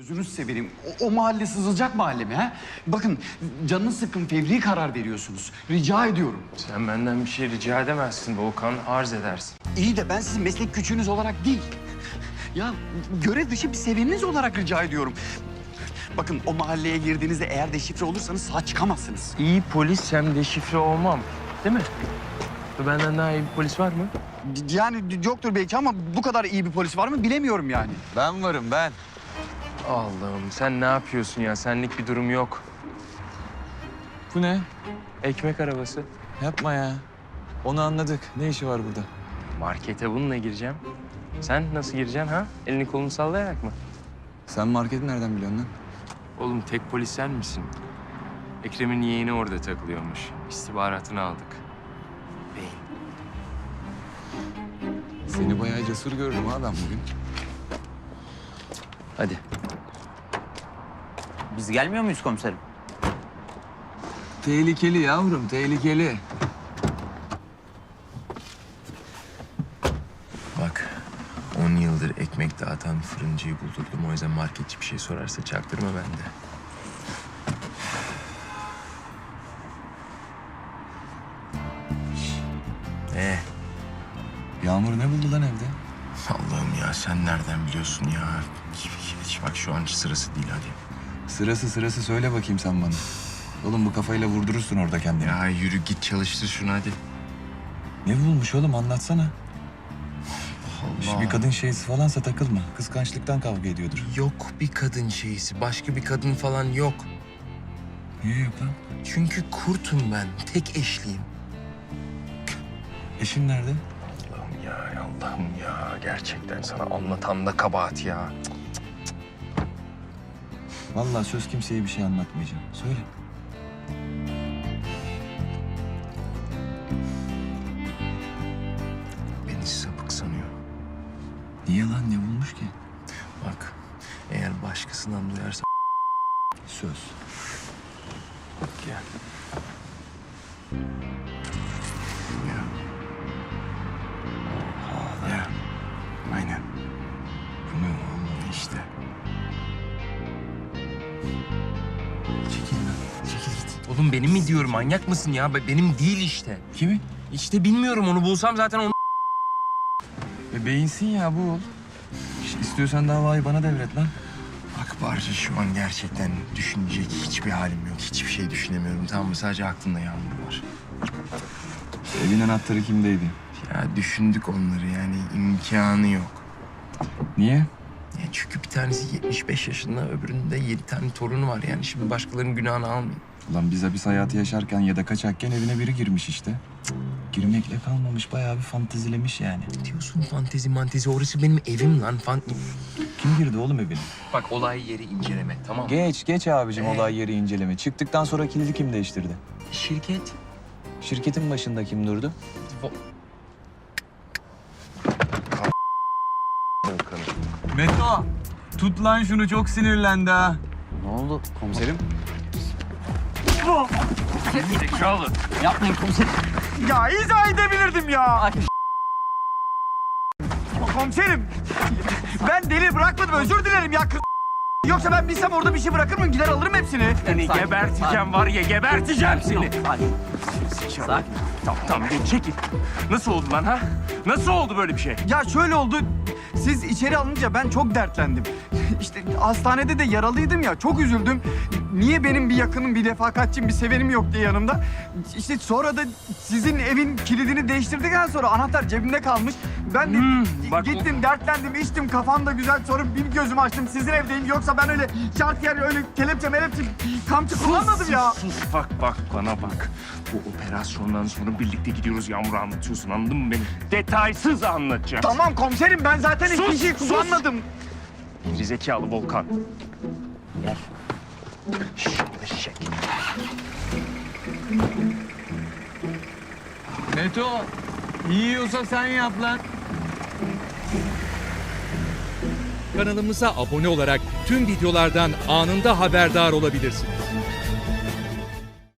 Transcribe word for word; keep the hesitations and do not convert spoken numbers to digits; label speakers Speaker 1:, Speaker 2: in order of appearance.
Speaker 1: Gözünüzü severim. O, o mahalle sızılacak mahalle mi ha? Bakın canınız sıkkın, fevri karar veriyorsunuz. Rica ediyorum.
Speaker 2: Sen benden bir şey rica edemezsin Volkan, arz edersin.
Speaker 1: İyi de ben sizin meslek küçüğünüz olarak değil. Ya görev dışı bir seveniniz olarak rica ediyorum. Bakın o mahalleye girdiğinizde eğer deşifre olursanız sağ çıkamazsınız.
Speaker 2: İyi polis hem deşifre olmam, değil mi? Benden daha iyi bir polis var mı?
Speaker 1: Yani yoktur belki ama bu kadar iyi bir polis var mı bilemiyorum yani.
Speaker 3: Ben varım ben.
Speaker 2: Allah'ım sen ne yapıyorsun ya? Senlik bir durum yok.
Speaker 3: Bu ne?
Speaker 2: Ekmek arabası.
Speaker 3: Yapma ya. Onu anladık. Ne işi var burada?
Speaker 2: Markete bununla gireceğim. Sen nasıl gireceksin ha? Elini kolunu sallayarak mı?
Speaker 3: Sen marketi nereden biliyorsun lan?
Speaker 2: Oğlum tek polis sen misin? Ekrem'in yeğeni orada takılıyormuş. İstihbaratını aldık. Beyin.
Speaker 3: Seni bayağı cesur gördüm ha ben bugün.
Speaker 2: Hadi.
Speaker 4: Biz gelmiyor muyuz komiserim?
Speaker 3: Tehlikeli yavrum, tehlikeli.
Speaker 2: Bak, on yıldır ekmek dağıtan fırıncıyı buldurdum. O yüzden marketçi bir şey sorarsa çaktırma bende. Ne?
Speaker 3: Yağmur ne buldu lan evde?
Speaker 2: Allah'ım ya sen nereden biliyorsun ya? Hiç bak şu an sırası değil hadi.
Speaker 3: Sırası sırası söyle bakayım sen bana. Oğlum bu kafayla vurdurursun orada kendini.
Speaker 2: Ya yürü git çalıştır şunu hadi.
Speaker 3: Ne bulmuş oğlum anlatsana.
Speaker 2: Allah.
Speaker 3: Bir kadın şeysi falansa takılma. Kıskançlıktan kavga ediyordur.
Speaker 2: Yok bir kadın şeysi, başka bir kadın falan yok.
Speaker 3: Niye yok lan?
Speaker 2: Çünkü kurtum ben, tek eşliyim.
Speaker 3: Eşin nerede?
Speaker 2: Allah'ım ya, Allah'ım ya. Gerçekten sana anlatan da kabahat ya.
Speaker 3: Vallahi söz kimseye bir şey anlatmayacağım. Söyle.
Speaker 2: Beni sapık sanıyor.
Speaker 3: Niye lan ne bulmuş ki?
Speaker 2: Bak, eğer başkasından duyarsa
Speaker 3: Söz.
Speaker 2: gel. Ya. Oha ya. Aynen.
Speaker 3: Bu ne oğlum?
Speaker 2: İşte. Çekil lan. Çekil git. Oğlum benim mi diyorum? Manyak mısın ya? Be- Benim değil işte.
Speaker 3: Kimi?
Speaker 2: İşte bilmiyorum. Onu bulsam zaten onu...
Speaker 3: E beyinsin ya bu ol. İstiyorsan davayı bana devret lan.
Speaker 2: Bak Barca şu an gerçekten düşünecek hiçbir halim yok. Hiçbir şey düşünemiyorum tamam mı? Sadece aklımda Yağmur var.
Speaker 3: Evin anahtarı kimdeydi?
Speaker 2: Ya düşündük onları yani imkanı yok.
Speaker 3: Niye?
Speaker 2: Ya çünkü bir tanesi yetmiş beş yaşında, öbürünün de yedi tane torunu var. Yani şimdi başkalarının günahını almayayım.
Speaker 3: Ulan biz hapis hayatı yaşarken ya da kaçakken evine biri girmiş işte. Cık, girmekle kalmamış, bayağı bir fantezilemiş yani.
Speaker 2: Ne diyorsun fantezi mantezi? Orası benim evim lan. Fan...
Speaker 3: Kim girdi oğlum evine?
Speaker 2: Bak olay yeri inceleme tamam mı?
Speaker 3: Geç, geç abicim
Speaker 2: Ee?
Speaker 3: olay yeri inceleme. Çıktıktan sonra kilidi kim değiştirdi?
Speaker 2: Şirket.
Speaker 3: Şirketin başında kim durdu?
Speaker 2: Vo-
Speaker 3: Meto, tut lan şunu çok sinirlendi ha.
Speaker 1: Ne oldu komiserim?
Speaker 2: Zekalı.
Speaker 4: Yapmayın komiserim.
Speaker 1: Ya izah edebilirdim ya. Komiserim. Ben deli bırakmadım özür dilerim ya. Yoksa ben bilsem orada bir şey bırakır mıyım? Gider alırım hepsini.
Speaker 2: Seni
Speaker 4: Sakin,
Speaker 2: geberteceğim var ya geberteceğim seni.
Speaker 4: Sakin. Sakin.
Speaker 2: Tamam tamam bir çekil. Nasıl oldu lan ha? Nasıl oldu böyle bir şey?
Speaker 1: Ya şöyle oldu. Siz içeri alınca ben çok dertlendim. İşte hastanede de yaralıydım ya. Çok üzüldüm. Niye benim bir yakınım, bir refakatçim, bir sevenim yok diye yanımda. İşte sonra da sizin evin kilidini değiştirdikten sonra anahtar cebimde kalmış. Ben de
Speaker 2: Hmm, bak
Speaker 1: gittim, dertlendim, içtim. Kafam da güzel. Sonra bir gözümü açtım. Sizin evdeyim. Yoksa ben öyle şart yer, öyle kelepçe melepçe kamçı kullanmadım ya.
Speaker 2: Sus bak bak bana bak. Bu operasyondan sonra birlikte gidiyoruz Yağmur'u anlatıyorsun anladın mı beni? Detaysız anlatacağım.
Speaker 1: Tamam komiserim ben zaten
Speaker 2: Sus,
Speaker 1: hiçbir şey
Speaker 2: sus.
Speaker 1: kullanmadım.
Speaker 2: Gerizekalı Volkan. Gel. Şşş eşek.
Speaker 3: Meto, yiyorsa sen yap lan.
Speaker 5: Kanalımıza abone olarak tüm videolardan anında haberdar olabilirsiniz.